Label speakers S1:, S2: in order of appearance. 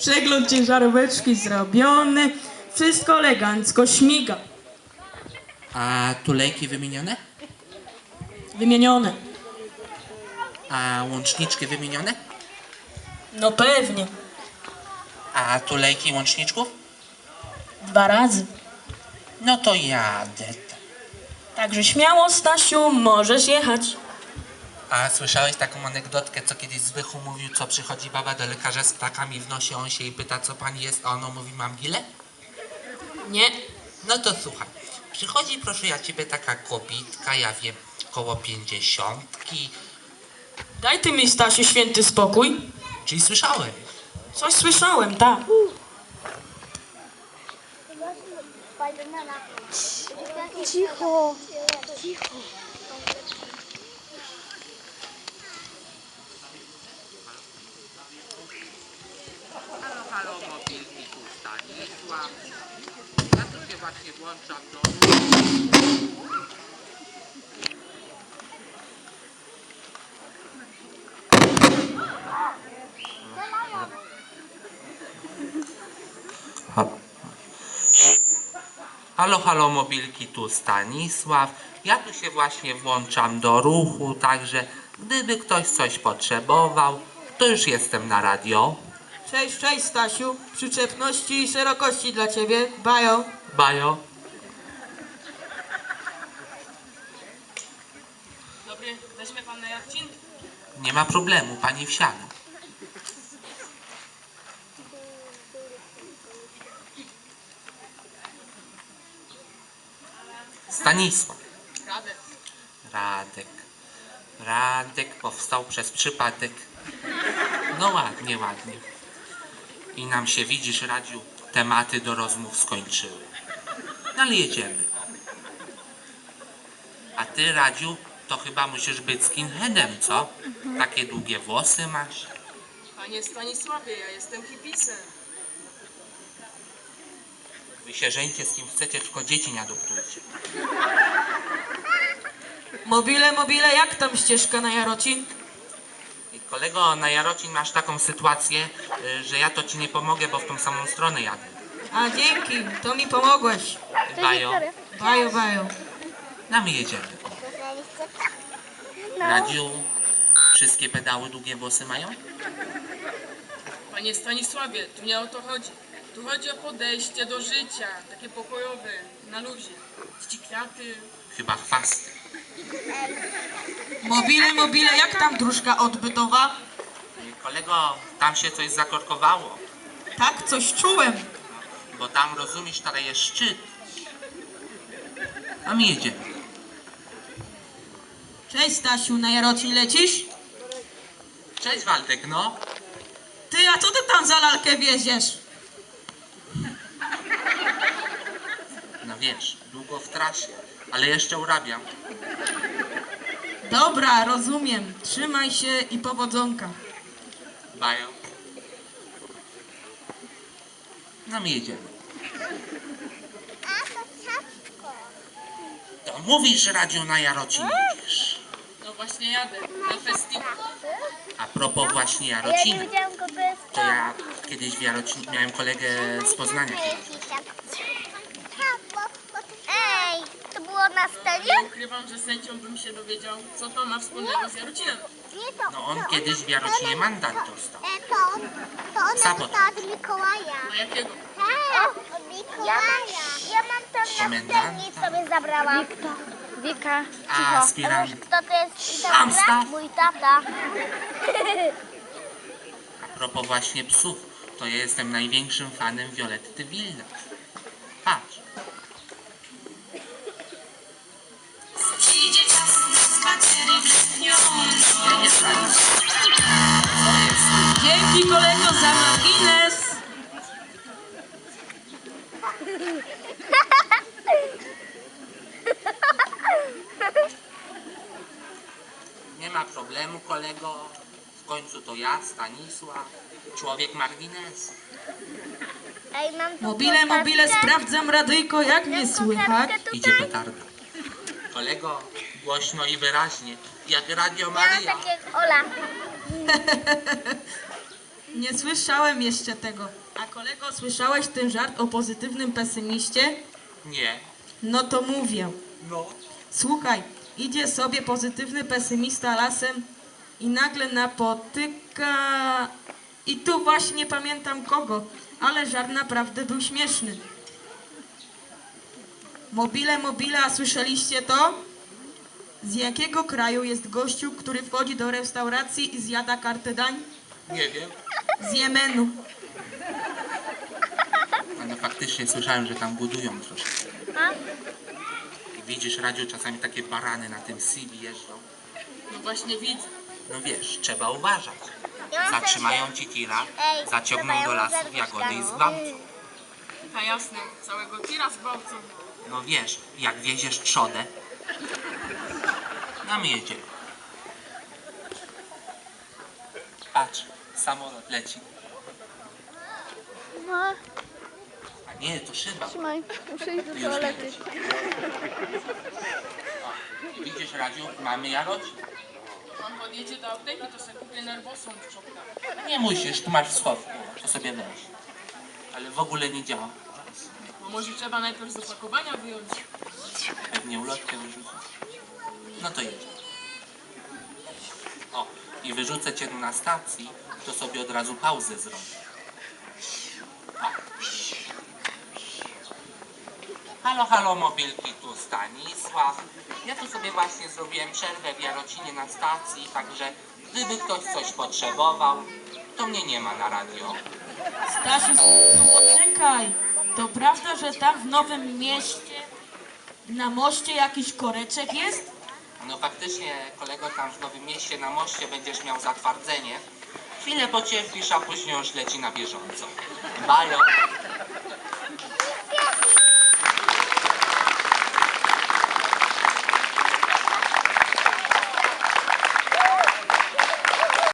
S1: Przegląd ciężaróweczki zrobiony. Wszystko elegancko śmiga.
S2: A tulejki wymienione?
S1: Wymienione.
S2: A łączniczki wymienione?
S1: No pewnie.
S2: A tulejki łączniczków?
S1: 2 razy.
S2: No to jadę.
S1: Także śmiało, Stasiu, możesz jechać.
S2: A słyszałeś taką anegdotkę, co kiedyś Zbychu mówił, co przychodzi baba do lekarza z ptakami w nosie, on się jej pyta, co pani jest, a ona mówi, mam gilę?
S1: Nie.
S2: No to słuchaj, przychodzi, proszę ja ciebie, taka kobitka, ja wiem, koło 50,
S1: Daj ty mi, Stasiu, święty spokój.
S2: czyli słyszałem.
S1: Coś słyszałem, tak.
S3: Cicho, cicho.
S2: Halo, mobilny tu Stanisław. Ja tu się właśnie włączam do... Halo, halo, mobilki, tu Stanisław. Ja tu się właśnie włączam do ruchu, także gdyby ktoś coś potrzebował, to już jestem na radio.
S1: Cześć, cześć, Stasiu. Przyczepności i szerokości dla ciebie. Bajo.
S2: Bajo.
S1: Dobry, weźmie pan na Jarcin?
S2: Nie ma problemu, pani wsiada. Stanisław.
S1: Radek.
S2: Radek. Radek powstał przez przypadek. No ładnie, ładnie. I nam się, widzisz, Radziu, tematy do rozmów skończyły. No ale jedziemy. A ty, Radziu, to chyba musisz być skinheadem, co? Takie długie włosy masz.
S1: Panie Stanisławie, ja jestem hipisem.
S2: Wy się żeńcie z kim chcecie, tylko dzieci nie adoptujcie.
S1: Mobile, jak tam ścieżka na Jarocin?
S2: I kolego, na Jarocin masz taką sytuację, że ja to ci nie pomogę, bo w tą samą stronę jadę.
S1: A dzięki, to mi pomogłeś.
S2: Bajo,
S1: Bajo, bajo.
S2: no my jedziemy. Radziu, wszystkie pedały długie włosy mają?
S4: Panie Stanisławie, tu nie o to chodzi. Tu chodzi o podejście do życia, takie pokojowe, na luzie. Czci kwiaty.
S2: Chyba chwasty.
S1: Mobile, jak tam dróżka odbytowa?
S2: Kolego, tam się coś zakorkowało,
S1: Tak, coś czułem.
S2: bo tam, rozumiesz, teraz jest szczyt. A my jedziemy.
S1: Cześć, Stasiu, na Jarocin lecisz?
S2: Cześć, Waldek, no.
S1: Ty, a co ty tam za lalkę wieziesz?
S2: No wiesz, długo w trasie, ale jeszcze urabiam.
S1: Dobra, rozumiem. Trzymaj się i powodzonka.
S2: Bajo. No my jedziemy. To mówisz, Radziu, na Jarocin jedziesz.
S4: No właśnie jadę, na festiwal.
S2: A propos właśnie
S3: Ja
S2: Jarocina,
S3: nie wiedziałam, kto to jest.
S2: to ja kiedyś w Jarocinie miałem kolegę z Poznania.
S3: Ej, to było na scenie?
S4: Nie ukrywam, że z chęcią bym się dowiedział, co to ma wspólnego z Jarocinem.
S3: Nie to.
S2: No on kiedyś w Jarocinie mandat dostał.
S3: To ona
S2: Sabot.
S3: dostała od Mikołaja.
S4: A jakiego?
S3: Tak, od Mikołaja. Ja mam tam na
S2: Komendanta.
S3: scenie sobie zabrałam. Wika,
S2: A aspirant.
S3: Kto to jest?
S2: Amstaff.
S3: Mój tata.
S2: A propos właśnie psów, to ja jestem największym fanem Violetty Wilna. Patrz. Ja nie znam.
S1: Dzięki, kolego, za margines.
S2: Nie ma problemu, kolego. W końcu to ja, Stanisław, człowiek margines.
S3: Ej, mam tu
S1: Mobile,
S3: kokardkę.
S1: sprawdzam radyjko, jak mnie słychać.
S2: Idzie petarda. Kolego, głośno i wyraźnie, jak Radio
S3: Ja mam
S2: Maryja.
S3: takie Ola.
S1: Nie słyszałem jeszcze tego. A kolego, słyszałeś ten żart o pozytywnym pesymiście?
S2: Nie.
S1: No to mówię.
S2: No.
S1: Słuchaj, idzie sobie pozytywny pesymista lasem i nagle napotyka... I tu właśnie nie pamiętam kogo, ale żart naprawdę był śmieszny. Mobile, mobile, a słyszeliście to? Z jakiego kraju jest gościu, który wchodzi do restauracji i zjada kartę dań?
S2: Nie wiem.
S1: Z Jemenu.
S2: Ale faktycznie słyszałem, że tam budują troszkę. I widzisz, Radziu, czasami takie barany na tym CV jeżdżą.
S4: No właśnie widzę.
S2: No wiesz, trzeba uważać.
S3: Ja mam
S2: Zatrzymają
S3: też-
S2: ci tira,
S3: Ej,
S2: zaciągną
S3: trzeba
S2: do
S3: ją
S2: lasu
S3: zerwać
S2: jagody i
S3: tam.
S2: zgwałcą.
S4: Ta jasne, całego tira zgwałcą.
S2: No wiesz, jak wieziesz trzodę, no my jedziemy. Patrz, samolot leci.
S3: No,
S2: A nie, to szyba.
S3: trzymaj, muszę iść do
S2: Już
S3: toalety.
S2: leci. O, i widzisz, Radziu, mamy Jarocin.
S4: Pan podjedzie do apteki, to sobie kupię nerwosą w czopka.
S2: Nie musisz, tu masz w schowku, to sobie weź. Ale w ogóle nie działa.
S4: Bo może trzeba najpierw z opakowania wyjąć.
S2: Pewnie ulotkę wyrzucę. No to jedzie. O, i wyrzucę cię na stacji, to sobie od razu pauzę zrobię. O. Halo, halo, mobilki, tu Stanisław. Ja tu sobie właśnie zrobiłem przerwę w Jarocinie na stacji, także gdyby ktoś coś potrzebował, to mnie nie ma na radio.
S1: Stasiu, poczekaj. To prawda, że tam w Nowym Mieście na moście jakiś koreczek jest?
S2: No faktycznie, kolego, tam w Nowym Mieście na moście będziesz miał zatwardzenie. Chwilę pocierpisz, a później już leci na bieżąco. Bajo.